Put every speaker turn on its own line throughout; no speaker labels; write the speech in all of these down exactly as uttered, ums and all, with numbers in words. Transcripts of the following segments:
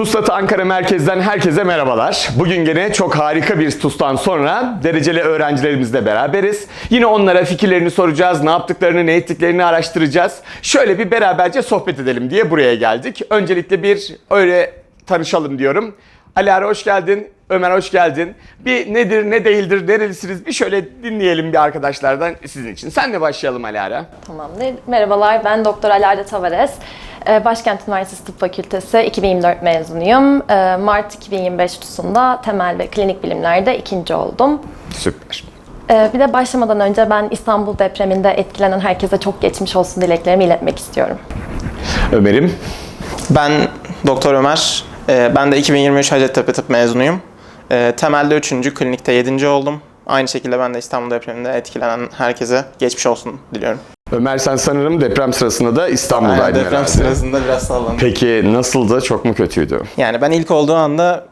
TUSLAT Ankara Merkez'den herkese merhabalar. Bugün gene çok harika bir TUS'tan sonra dereceli öğrencilerimizle beraberiz. Yine onlara fikirlerini soracağız, ne yaptıklarını, ne ettiklerini araştıracağız. Şöyle bir beraberce sohbet edelim diye buraya geldik. Öncelikle bir öyle tanışalım diyorum. Alara hoş geldin, Ömer hoş geldin. Bir nedir, ne değildir, nerelisiniz bir şöyle dinleyelim bir arkadaşlardan sizin için. Senle başlayalım Alara.
Tamamdır. Merhabalar, ben Doktor Alara Tavares. Başkent Üniversitesi Tıp Fakültesi iki bin yirmi dört mezunuyum. Mart iki bin yirmi beş TUS'unda temel ve klinik bilimlerde ikinci oldum.
Süper.
Bir de başlamadan önce ben İstanbul depreminde etkilenen herkese çok geçmiş olsun dileklerimi iletmek istiyorum.
Ömer'im.
Ben Doktor Ömer. Ben de iki bin yirmi üç Hacettepe Tıp mezunuyum. Temelde üçüncü, klinikte yedinci oldum. Aynı şekilde ben de İstanbul depreminde etkilenen herkese geçmiş olsun diliyorum.
Ömer sen sanırım deprem sırasında da İstanbul'daydın
Aynen, deprem
herhalde.
sırasında biraz sallandım.
Peki nasıldı? Çok mu kötüydü?
Yani ben ilk olduğu anda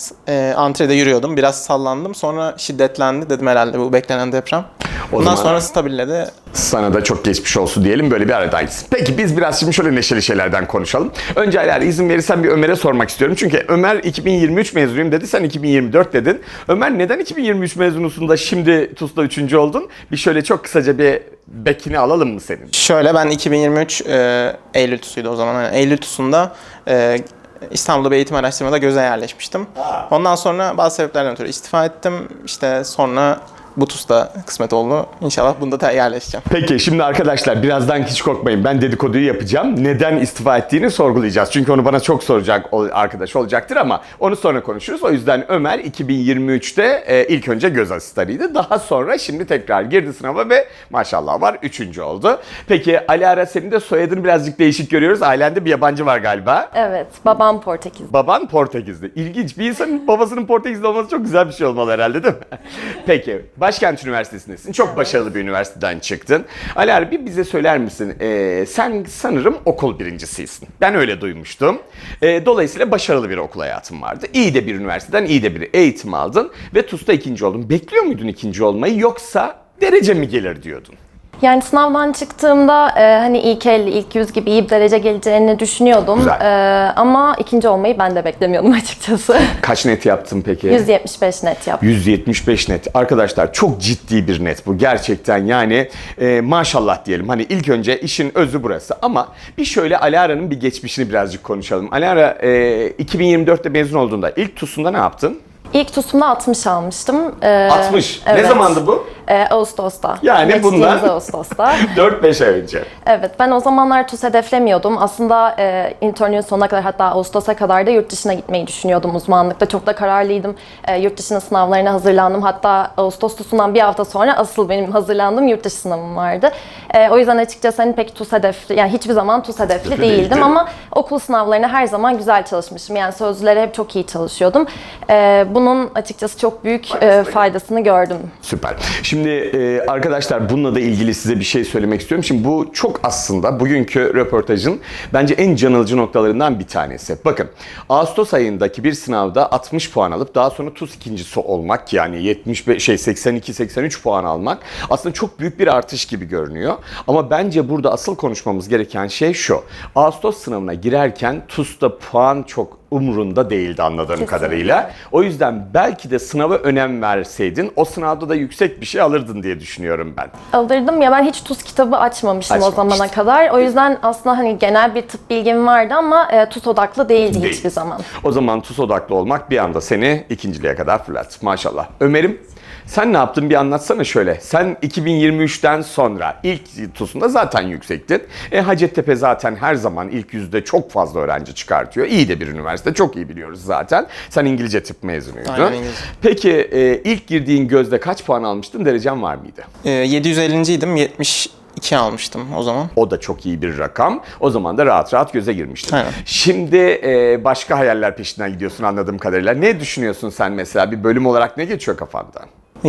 e, antrede yürüyordum. Biraz sallandım. Sonra şiddetlendi. Dedim herhalde bu beklenen deprem.
O
Ondan
zaman
sonra stabilledi.
sana da çok geçmiş olsun diyelim, böyle bir aradayız. Peki biz biraz şimdi şöyle neşeli şeylerden konuşalım. Önce Alara izin verirsen bir Ömer'e sormak istiyorum. Çünkü Ömer iki bin yirmi üç mezunuyum dedi, sen iki bin yirmi dört dedin. Ömer neden iki bin yirmi üç mezunusun da şimdi TUS'ta üçüncü oldun? Bir şöyle çok kısaca bir bekini alalım mı senin?
Şöyle ben iki bin yirmi üç e, Eylül TUS'uydu o zaman. Yani Eylül TUS'unda e, İstanbul'da bir eğitim araştırmada göze yerleşmiştim. Ondan sonra bazı sebeplerden ötürü istifa ettim. İşte sonra bu TUS'ta kısmet oldu. İnşallah bunda da yerleşeceğim.
Peki şimdi arkadaşlar birazdan hiç korkmayın, ben dedikoduyu yapacağım. Neden istifa ettiğini sorgulayacağız. Çünkü onu bana çok soracak arkadaş olacaktır ama onu sonra konuşuruz. O yüzden Ömer iki bin yirmi üçte e, ilk önce göz asistanıydı. Daha sonra şimdi tekrar girdi sınava ve maşallah var üçüncü oldu. Peki Alara, senin de soyadını birazcık değişik görüyoruz. Ailende bir yabancı var galiba.
Evet, babam Portekiz.
Baban Portekizli. İlginç. Bir insanın babasının Portekizli olması çok güzel bir şey olmalı herhalde, değil mi? Peki. Başkent Üniversitesi'ndesin. Çok başarılı bir üniversiteden çıktın. Alara, bir bize söyler misin? Ee, sen sanırım okul birincisisin. Ben öyle duymuştum. Ee, dolayısıyla başarılı bir okul hayatın vardı. İyi de bir üniversiteden iyi de bir eğitim aldın ve TUS'ta ikinci oldun. Bekliyor muydun ikinci olmayı, yoksa derece mi gelir diyordun?
Yani sınavdan çıktığımda e, hani ilk elli, ilk yüz gibi iyi bir derece geleceğini düşünüyordum. E, ama ikinci olmayı ben de beklemiyordum açıkçası.
Kaç net yaptın peki?
yüz yetmiş beş net yaptım.
yüz yetmiş beş net. Arkadaşlar çok ciddi bir net bu. Gerçekten yani e, maşallah diyelim. Hani ilk önce işin özü burası. Ama bir şöyle Alara'nın bir geçmişini birazcık konuşalım. Alara e, iki bin yirmi dörtte mezun olduğunda ilk TUS'unda ne yaptın?
İlk TUS'umda altmış almıştım. Ee,
altmış.
Evet.
Ne zamandı bu?
Ee, Ağustos'ta.
Yani
Geçtiğimiz
bundan
Ağustos'ta.
dört beş ay önce.
Evet, ben o zamanlar TUS hedeflemiyordum. Aslında e, internün sonuna kadar, hatta Ağustos'a kadar da yurt dışına gitmeyi düşünüyordum uzmanlıkta. Çok da kararlıydım. E, yurt dışına sınavlarına hazırlandım. Hatta Ağustos TUS'undan bir hafta sonra asıl benim hazırlandığım yurt dışı sınavım vardı. E, o yüzden açıkçası hani pek TUS hedefli, yani hiçbir zaman TUS hedefli
Hedefli
değildim
değildi.
ama okul sınavlarına her zaman güzel çalışmışım. Yani sözlülere hep çok iyi çalışıyordum. E, bunun açıkçası çok büyük e, faydasını gördüm.
Süper. Şimdi e, arkadaşlar bununla da ilgili size bir şey söylemek istiyorum. Şimdi bu çok aslında bugünkü röportajın bence en can alıcı noktalarından bir tanesi. Bakın, Ağustos ayındaki bir sınavda altmış puan alıp daha sonra TUS ikincisi olmak, yani yetmiş beş şey seksen iki seksen üç puan almak aslında çok büyük bir artış gibi görünüyor. Ama bence burada asıl konuşmamız gereken şey şu. Ağustos sınavına girerken TUS'ta puan çok umurunda değildi anladığım
Kesinlikle.
kadarıyla. O yüzden belki de sınava önem verseydin o sınavda da yüksek bir şey alırdın diye düşünüyorum ben.
Alırdım ya, ben hiç TUS kitabı açmamıştım
Açmamıştın.
o zamana kadar. O yüzden aslında hani genel bir tıp bilgim vardı ama e, TUS odaklı değildi
Değil.
hiçbir zaman.
O zaman TUS odaklı olmak bir anda seni ikinciliğe kadar fırlat. Maşallah. Ömer'im, sen ne yaptın bir anlatsana şöyle. Sen iki bin yirmi üçten sonra ilk TUS'unda zaten yüksektin. E, Hacettepe zaten her zaman ilk yüzde çok fazla öğrenci çıkartıyor. İyi de bir üniversite, çok iyi biliyoruz zaten. Sen İngilizce tıp mezunuydun.
Aynen, İngilizce.
Peki e, ilk girdiğin gözde kaç puan almıştın? Derecen var mıydı?
E, yedi yüz ellinciydim. yetmiş iki almıştım o zaman.
O da çok iyi bir rakam. O zaman da rahat rahat göze girmiştin.
Aynen.
Şimdi e, başka hayaller peşinden gidiyorsun anladığım kadarıyla. Ne düşünüyorsun sen mesela? Bir bölüm olarak ne geçiyor kafandan?
Ya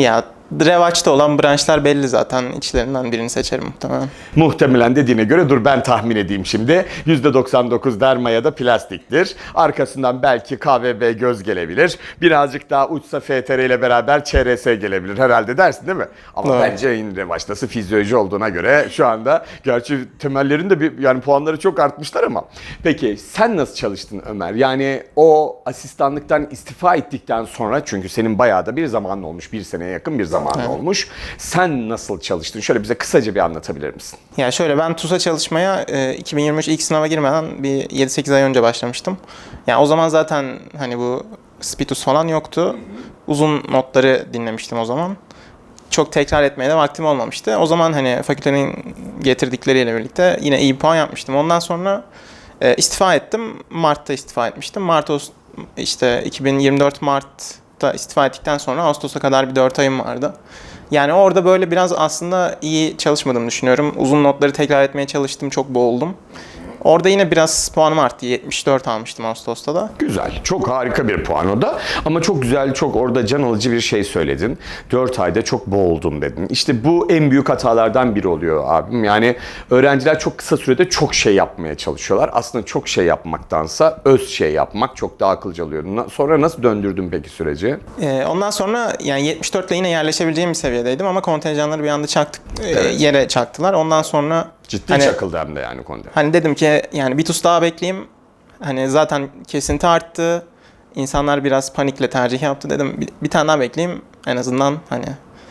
revaçta olan branşlar belli zaten. İçlerinden birini seçerim muhtemelen.
Muhtemelen dediğine göre dur ben tahmin edeyim şimdi. yüzde doksan dokuz derma ya da plastiktir. Arkasından belki K V B göz gelebilir. Birazcık daha uçsa F T R ile beraber Ç R S gelebilir herhalde dersin değil mi? Ama
Evet.
bence en revaçtası fizyoloji olduğuna göre şu anda gerçi temellerin de bir yani puanları çok artmışlar ama. Peki sen nasıl çalıştın Ömer? Yani o asistanlıktan istifa ettikten sonra çünkü senin bayağı da bir zamanın olmuş. Bir seneye yakın bir zaman
Evet.
olmuş. Sen nasıl çalıştın? Şöyle bize kısaca bir anlatabilir misin?
Ya şöyle ben TUS'a çalışmaya e, iki bin yirmi üç ilk sınava girmeden bir yedi sekiz ay önce başlamıştım. Yani o zaman zaten hani bu Spitus falan yoktu. Uzun notları dinlemiştim o zaman. Çok tekrar etmeye de vaktim olmamıştı. O zaman hani fakültenin getirdikleriyle birlikte yine iyi puan yapmıştım. Ondan sonra e, istifa ettim. Mart'ta istifa etmiştim. Mart işte iki bin yirmi dört Mart'ta istifa ettikten sonra Ağustos'a kadar bir dört ayım vardı. Yani orada böyle biraz aslında iyi çalışmadığımı düşünüyorum. Uzun notları tekrar etmeye çalıştım, çok boğuldum. Orada yine biraz puanım arttı. yetmiş dört almıştım Ağustos'ta da.
Güzel. Çok harika bir puan o da. Ama çok güzel, çok orada can alıcı bir şey söyledin. dört ayda çok boğuldum dedin. İşte bu en büyük hatalardan biri oluyor abim. Yani öğrenciler çok kısa sürede çok şey yapmaya çalışıyorlar. Aslında çok şey yapmaktansa öz şey yapmak çok daha akılcı oluyor. Na- Sonra nasıl döndürdün peki süreci?
Ee, ondan sonra yani yetmiş dört ile yine yerleşebileceğim bir seviyedeydim ama kontenjanları bir anda çaktık, e,
Evet.
yere çaktılar. Ondan sonra
Ciddi
hani,
çakıldı hem de yani konuda.
hani dedim ki yani bir TUS daha bekleyeyim. Hani zaten kesinti arttı. İnsanlar biraz panikle tercih yaptı. Dedim bir, bir tane daha bekleyeyim. En azından hani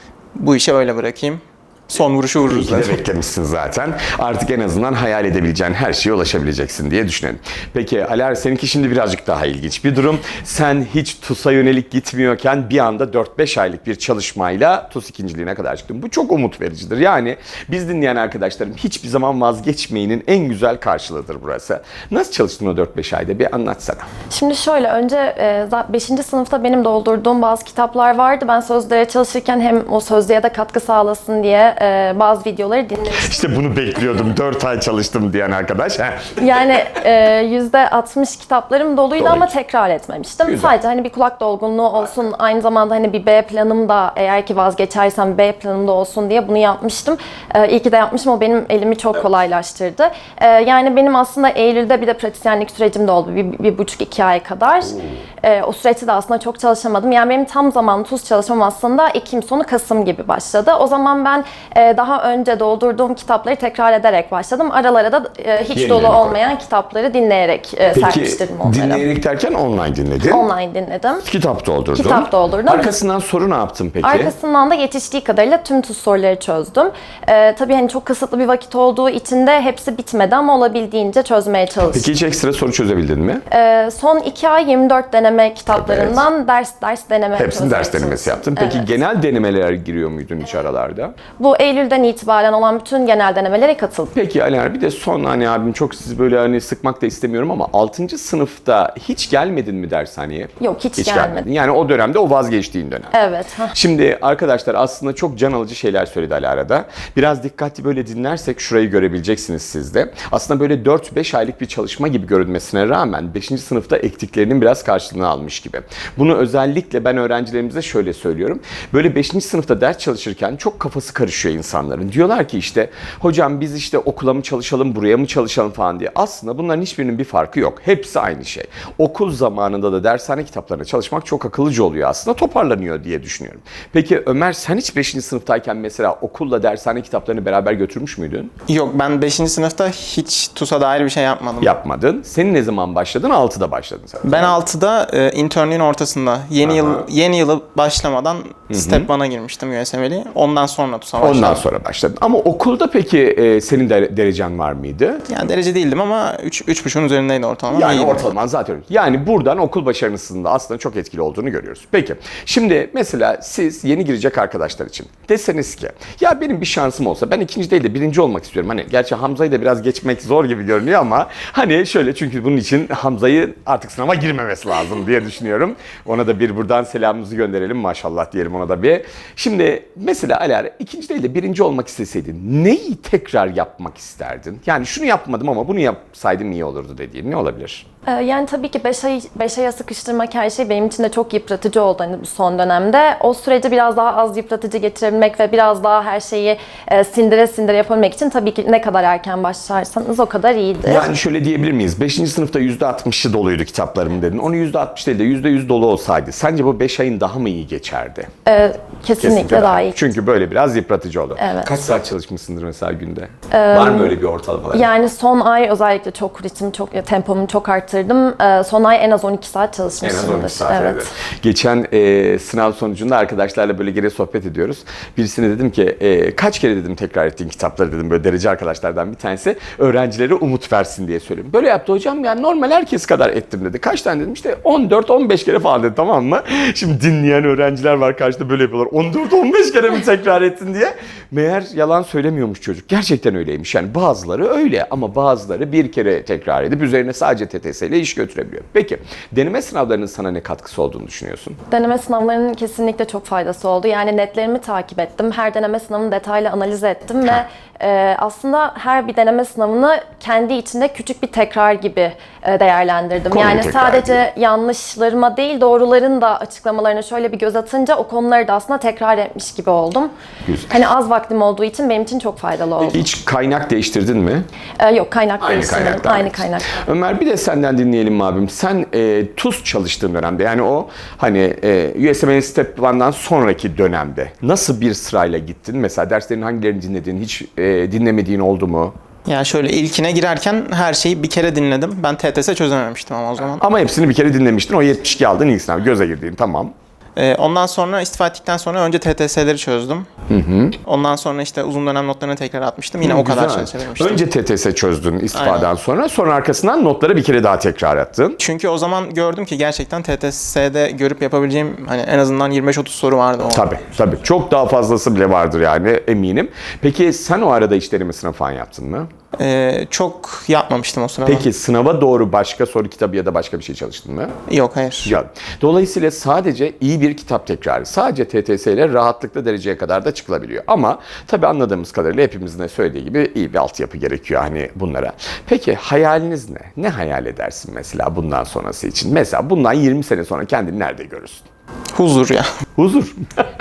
bu işi öyle bırakayım. Son vuruşu
İyi
vururuz
ki de
dedim.
beklemişsin zaten. Artık en azından hayal edebileceğin her şeye ulaşabileceksin diye düşünelim. Peki Alar seninki şimdi birazcık daha ilginç bir durum. Sen hiç TUS'a yönelik gitmiyorken bir anda dört beş aylık bir çalışmayla TUS ikinciliğine kadar çıktın. Bu çok umut vericidir. Yani biz dinleyen arkadaşlarım hiçbir zaman vazgeçmeyenin en güzel karşılığıdır burası. Nasıl çalıştın o dört beş ayda bir anlatsana.
Şimdi şöyle önce beşinci sınıfta benim doldurduğum bazı kitaplar vardı. Ben sözlüğe çalışırken hem o sözlüğe de katkı sağlasın diye e, bazı videoları dinlemiştim.
İşte bunu bekliyordum. dört ay çalıştım diyen arkadaş. Heh.
Yani e, yüzde altmış kitaplarım doluydu
Doluydu.
ama tekrar etmemiştim.
Güzel.
Sadece hani bir kulak dolgunluğu olsun, aynı zamanda hani bir B planım da eğer ki vazgeçersem B planım da olsun diye bunu yapmıştım. E, iyi ki de yapmışım. O benim elimi çok kolaylaştırdı. E, yani benim aslında Eylül'de bir de pratisyenlik sürecim de oldu. Bir, bir buçuk iki ay kadar. E, o süreçte de aslında çok çalışamadım. Yani benim tam zamanlı TUS çalışmam aslında Ekim sonu Kasım gibi başladı. O zaman ben e, daha önce doldurduğum kitapları tekrar ederek başladım. Aralara da e, hiç
Yeni
dolu
yeni
olmayan kitapları dinleyerek e,
Peki
serpiştirdim onları.
dinleyerek derken online dinledin.
Online dinledim.
Kitap doldurdun.
Kitap doldurdum.
Arkasından soru ne yaptın peki?
Arkasından da yetiştiği kadarıyla tüm TUS soruları çözdüm. Ee, tabii hani çok kısıtlı bir vakit olduğu için de hepsi bitmedi ama olabildiğince çözmeye çalıştım.
Peki hiç ekstra soru çözebildin mi?
Ee, son iki ay yirmi dört deneme kitaplarından ders ders deneme
Hepsini
çözmeye
ders denemesi
çalıştım.
yaptın. Peki
Evet.
genel denemeler giriyor muydun hiç aralarda?
Bu Eylül'den itibaren olan bütün genel denemelere katıldım.
Peki Ali bir de son hani abim çok sizi böyle hani sıkmak da istemiyorum ama altıncı sınıfta hiç gelmedin mi dershaneye?
Yok hiç, gelmedim.
Yani o dönemde o vazgeçtiğin dönem.
Evet. hah.
Şimdi arkadaşlar aslında çok can alıcı şeyler söyledi Alara'da. Biraz dikkatli böyle dinlersek şurayı görebileceksiniz siz de. Aslında böyle dört beş aylık bir çalışma gibi görünmesine rağmen beşinci sınıfta ektiklerinin biraz karşılığını almış gibi. Bunu özellikle ben öğrencilerimize şöyle söylüyorum. Böyle beşinci sınıfta ders çalışırken çok kafası karışıyor insanların. Diyorlar ki işte hocam biz işte okula mı çalışalım, buraya mı çalışalım falan diye. Aslında bunların hiçbirinin bir farkı yok. Hepsi aynı şey. Okul zamanında da dershane kitaplarına çalışmak çok akıllıca oluyor aslında. Toparlanıyor diye düşünüyorum. Peki Ömer sen hiç beşinci sınıftayken mesela okulla dershane kitaplarını beraber götürmüş müydün?
Yok ben beşinci sınıfta hiç TUS'a dair bir şey yapmadım.
Yapmadın. Senin ne zaman başladın? altıda başladın sen.
Ben altıda e, internliğin ortasında yeni yıl yeni yılı başlamadan Step one'a girmiştim U S M L'yi. Ondan sonra TUS'a başladım.
Ondan sonra başladın. Ama okulda peki e, senin de derecen var mıydı?
Yani derece değildim ama üç üç buçuğun üzerindeydi ortalama.
Yani
İyiydim.
ortalama zaten öyle. Yani buradan okul başarısının da aslında çok etkili olduğunu görüyoruz. Peki şimdi mesela siz yeni girecek arkadaşlar için deseniz ki ya benim bir şansım olsa ben ikinci değil de birinci olmak istiyorum. Hani gerçi Hamza'yı da biraz geçmek zor gibi görünüyor ama hani şöyle çünkü bunun için Hamza'yı artık sınava girmemesi lazım diye düşünüyorum. Ona da bir buradan selamımızı gönderelim maşallah diyelim ona da bir. Şimdi mesela Alara ikinci değil ile birinci olmak isteseydin neyi tekrar yapmak isterdin? Yani şunu yapmadım ama bunu yapsaydım iyi olurdu dediğin ne olabilir?
Ee, Yani tabii ki beş ay, beş aya sıkıştırmak her şey benim için de çok yıpratıcı oldu hani bu son dönemde. O süreci biraz daha az yıpratıcı getirebilmek ve biraz daha her şeyi e, sindire sindire yapabilmek için tabii ki ne kadar erken başlarsanız o kadar iyidir.
Yani şöyle diyebilir miyiz? beşinci sınıfta yüzde altmışı doluydu kitaplarım dedin. Onu yüzde altmış değil de yüzde yüz dolu olsaydı sence bu beş ayın daha mı iyi geçerdi?
Ee, kesinlikle, daha iyi.
Çünkü böyle biraz yıpratıcı oldu.
Evet.
Kaç saat çalışmışsındır mesela günde? Var mı öyle bir ortalamalar?
Yani son ay özellikle çok ritim, çok tempomu çok arttırdım. Ee, son ay en az on iki saat
En
çalışmışımdır.
az on iki saat.
Evet.
Evet. Geçen e, sınav sonucunda arkadaşlarla böyle geri sohbet ediyoruz. Birisine dedim ki e, kaç kere dedim tekrar ettiğin kitapları dedim, böyle derece arkadaşlardan bir tanesi öğrencilere umut versin diye söylüyorum. Böyle yaptı hocam, yani normal herkes kadar ettim dedi. Kaç tane dedim, işte on dört on beş kere falan dedi, tamam mı? Şimdi dinleyen öğrenciler var karşıda, böyle yapıyorlar. on dört on beş kere mi tekrar ettin diye. Meğer yalan söylemiyormuş çocuk. Gerçekten öyleymiş. Yani bazıları öyle ama bazıları bir kere tekrar edip üzerine sadece T T S ile iş götürebiliyor. Peki deneme sınavlarının sana ne katkısı olduğunu düşünüyorsun?
Deneme sınavlarının kesinlikle çok faydası oldu. Yani netlerimi takip ettim. Her deneme sınavını detaylı analiz ettim ve e, aslında her bir deneme sınavını kendi içinde küçük bir tekrar gibi e, değerlendirdim.
Konuyu
yani
tekrar
sadece yanlışlarıma değil, doğruların da açıklamalarına şöyle bir göz atınca o konuları da aslında tekrar etmiş gibi oldum.
Güzel.
Hani az vaktim olduğu için benim için çok faydalı oldu.
Hiç kaynak değiştirdin mi?
E, yok, kaynak
Aynı
değiştirmedim.
kaynaktan.
Aynı kaynak.
Ömer, bir de senden dinleyelim mi abim? Sen e, TUS çalıştığın dönemde, yani o hani e, U S M L Step birden sonraki dönemde nasıl bir sırayla gittin? Mesela derslerin hangilerini dinledin? Hiç e, dinlemediğin oldu mu?
Ya şöyle ilkine girerken her şeyi bir kere dinledim. Ben T T S çözememiştim ama o zaman.
Ama hepsini bir kere dinlemiştin. O yetmiş iki aldın ilk sınav. Göze girdiğin, tamam.
Ee, ondan sonra istifa ettikten sonra önce T T S'leri çözdüm. Hı hı. Ondan sonra işte uzun dönem notlarını tekrar atmıştım. Yine o kadar
Güzel.
çalışabilmiştim.
Önce T T S çözdün istifadan
Aynen.
sonra. Sonra arkasından notları bir kere daha tekrar attın.
Çünkü o zaman gördüm ki gerçekten T T S'de görüp yapabileceğim hani en azından yirmi beş otuz soru vardı. O.
Tabii tabii. Çok daha fazlası bile vardır yani, eminim. Peki sen o arada iş deneme sınavı falan yaptın mı?
Ee, çok yapmamıştım o sırada.
Peki sınava doğru başka soru kitabı ya da başka bir şey çalıştın mı?
Yok, hayır.
Ya, dolayısıyla sadece iyi bir kitap tekrarı, sadece T T S ile rahatlıkla dereceye kadar da çıkılabiliyor. Ama tabii anladığımız kadarıyla hepimizin de söylediği gibi iyi bir altyapı gerekiyor hani bunlara. Peki hayaliniz ne? Ne hayal edersin mesela bundan sonrası için? Mesela bundan yirmi sene sonra kendini nerede görürsün?
Huzur ya.
Huzur.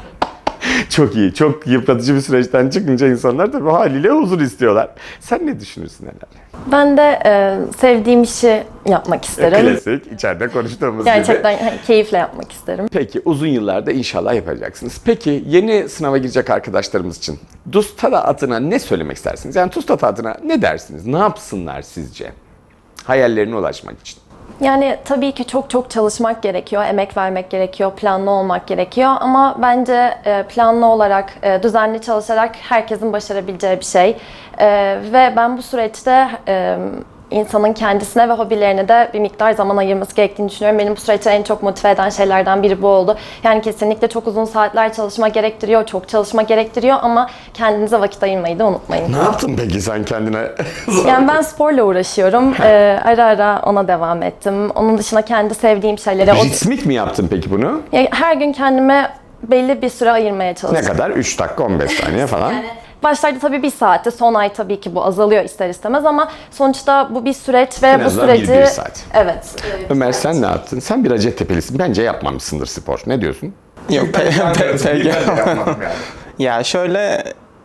Çok iyi. Çok yıpratıcı bir süreçten çıkınca insanlar tabii haliyle huzur istiyorlar. Sen ne düşünürsün Helal?
Ben de e, sevdiğim işi yapmak isterim.
Klasik, içeride konuştuğumuz
Gerçekten
gibi.
hani keyifle yapmak isterim.
Peki uzun yıllarda inşallah yapacaksınız. Peki yeni sınava girecek arkadaşlarımız için TUSTATA adına ne söylemek istersiniz? Yani TUSTATA adına ne dersiniz? Ne yapsınlar sizce? Hayallerine ulaşmak için.
Yani tabii ki çok çok çalışmak gerekiyor, emek vermek gerekiyor, planlı olmak gerekiyor ama bence e, planlı olarak, e, düzenli çalışarak herkesin başarabileceği bir şey. E, Ve ben bu süreçte e, insanın kendisine ve hobilerine de bir miktar zaman ayırması gerektiğini düşünüyorum. Benim bu süreçte en çok motive eden şeylerden biri bu oldu. Yani kesinlikle çok uzun saatler çalışma gerektiriyor, çok çalışma gerektiriyor ama kendinize vakit ayırmayı da unutmayın.
Ne yaptın peki sen kendine?
Yani ben sporla uğraşıyorum. Ee, ara ara ona devam ettim. Onun dışında kendi sevdiğim şeylere... o-
Ritmik mi yaptın peki bunu?
Ya her gün kendime belli bir süre ayırmaya
Ne
çalıştım.
kadar? üç dakika on beş saniye falan.
Başlarda tabii bir saatte, son ay tabii ki bu azalıyor ister istemez ama sonuçta bu bir süreç ve
En
bu
azından
süreci...
bir- bir saat.
Evet.
Ömer sen ne yaptın? Sen bir Hacettepe'lisin. Bence yapmamışsındır spor. Ne diyorsun?
Yok, pe- pe- peki.
yapmam yani.
Ya şöyle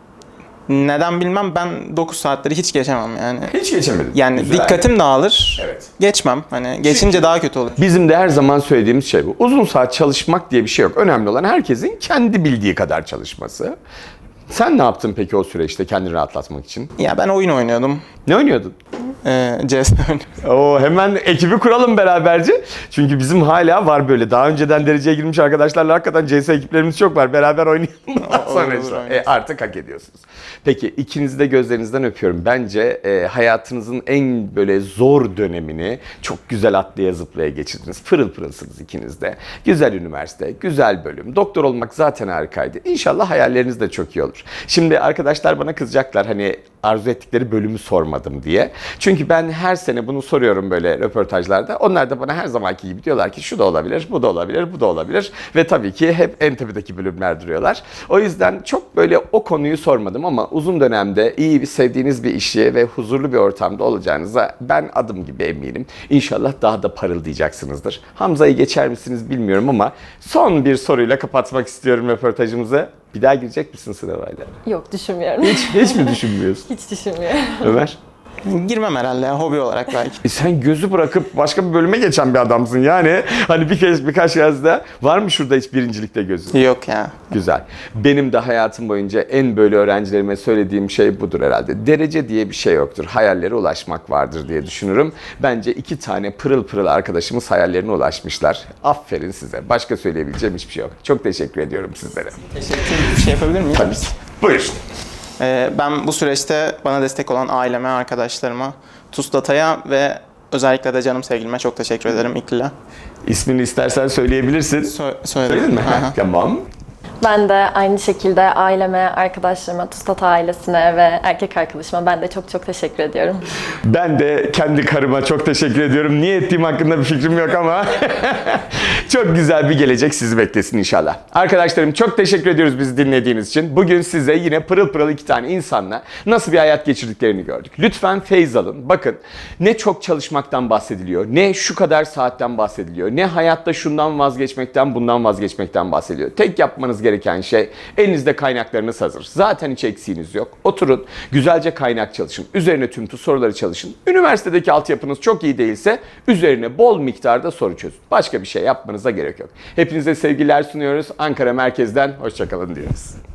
neden bilmem, ben dokuz saatleri hiç geçemem yani.
Hiç geçemedim.
Yani
Güzel.
dikkatim dağılır.
Evet.
Geçmem. Hani geçince daha kötü olur.
Bizim de her zaman söylediğimiz şey bu. Uzun saat çalışmak diye bir şey yok. Önemli olan herkesin kendi bildiği kadar çalışması. Sen ne yaptın peki o süreçte kendini rahatlatmak için?
Ya ben oyun oynuyordum.
Ne oynuyordun?
Ee, C S oynuyordum.
Oo, hemen ekibi kuralım beraberce. Çünkü bizim hala var böyle daha önceden dereceye girmiş arkadaşlarla hakikaten C S ekiplerimiz çok var. Beraber oynayalım. Ondan sonra
olur,
işte.
oynarız.
E, artık hak ediyorsunuz. Peki ikinizi de gözlerinizden öpüyorum. Bence e, hayatınızın en böyle zor dönemini çok güzel atlaya zıplaya geçirdiniz. Pırıl pırılsınız ikiniz de. Güzel üniversite, güzel bölüm. Doktor olmak zaten harikaydı. İnşallah hayalleriniz de çok iyi olur. Şimdi arkadaşlar bana kızacaklar. Hani arzu ettikleri bölümü sormadım diye. Çünkü ben her sene bunu soruyorum böyle röportajlarda. Onlar da bana her zamanki gibi diyorlar ki şu da olabilir, bu da olabilir, bu da olabilir. Ve tabii ki hep en tepedeki bölümler duruyorlar. O yüzden çok böyle o konuyu sormadım ama uzun dönemde iyi bir sevdiğiniz bir işi ve huzurlu bir ortamda olacağınıza ben adım gibi eminim. İnşallah daha da parıldayacaksınızdır. Hamza'yı geçer misiniz bilmiyorum ama son bir soruyla kapatmak istiyorum röportajımızı. Bir daha girecek misin sınavayla?
Yok, düşünmüyorum.
Hiç, hiç mi düşünmüyorsun?
Hiç düşünmüyorum.
Ömer?
Girmem herhalde ya, hobi olarak belki.
E sen gözü bırakıp başka bir bölüme geçen bir adamsın yani. Hani bir kez birkaç yazda var mı şurada hiç birincilikte gözün?
Yok ya.
Güzel. Benim de hayatım boyunca en böyle öğrencilerime söylediğim şey budur herhalde. Derece diye bir şey yoktur. Hayallere ulaşmak vardır diye düşünürüm. Bence iki tane pırıl pırıl arkadaşımız hayallerine ulaşmışlar. Aferin size. Başka söyleyebileceğim hiçbir şey yok. Çok teşekkür ediyorum sizlere.
Teşekkür Bir şey yapabilir miyim?
Tabii. Buyur.
Ee, ben bu süreçte bana destek olan aileme, arkadaşlarıma, TUSDATA'ya ve özellikle de canım sevgilime çok teşekkür ederim, İkli'le.
İsmini istersen söyleyebilirsin.
Sö- söyledim.
Söyledin mi?
Aha.
Tamam.
Ben de aynı şekilde aileme, arkadaşlarıma, TUSDATA ailesine ve erkek arkadaşıma ben de çok çok teşekkür ediyorum.
Ben de kendi karıma çok teşekkür ediyorum. Niye ettiğim hakkında bir fikrim yok ama çok güzel bir gelecek sizi beklesin inşallah. Arkadaşlarım çok teşekkür ediyoruz bizi dinlediğiniz için. Bugün size yine pırıl pırıl iki tane insanla nasıl bir hayat geçirdiklerini gördük. Lütfen feyz alın. Bakın ne çok çalışmaktan bahsediliyor, ne şu kadar saatten bahsediliyor, ne hayatta şundan vazgeçmekten, bundan vazgeçmekten bahsediliyor. Tek yapmanız gereken şey elinizde kaynaklarınız hazır. Zaten hiç eksiğiniz yok. Oturun, güzelce kaynak çalışın. Üzerine tüm soruları çalışın. Üniversitedeki altyapınız çok iyi değilse üzerine bol miktarda soru çözün. Başka bir şey yapmanıza gerek yok. Hepinize sevgiler sunuyoruz. Ankara merkezden hoşça kalın diyoruz.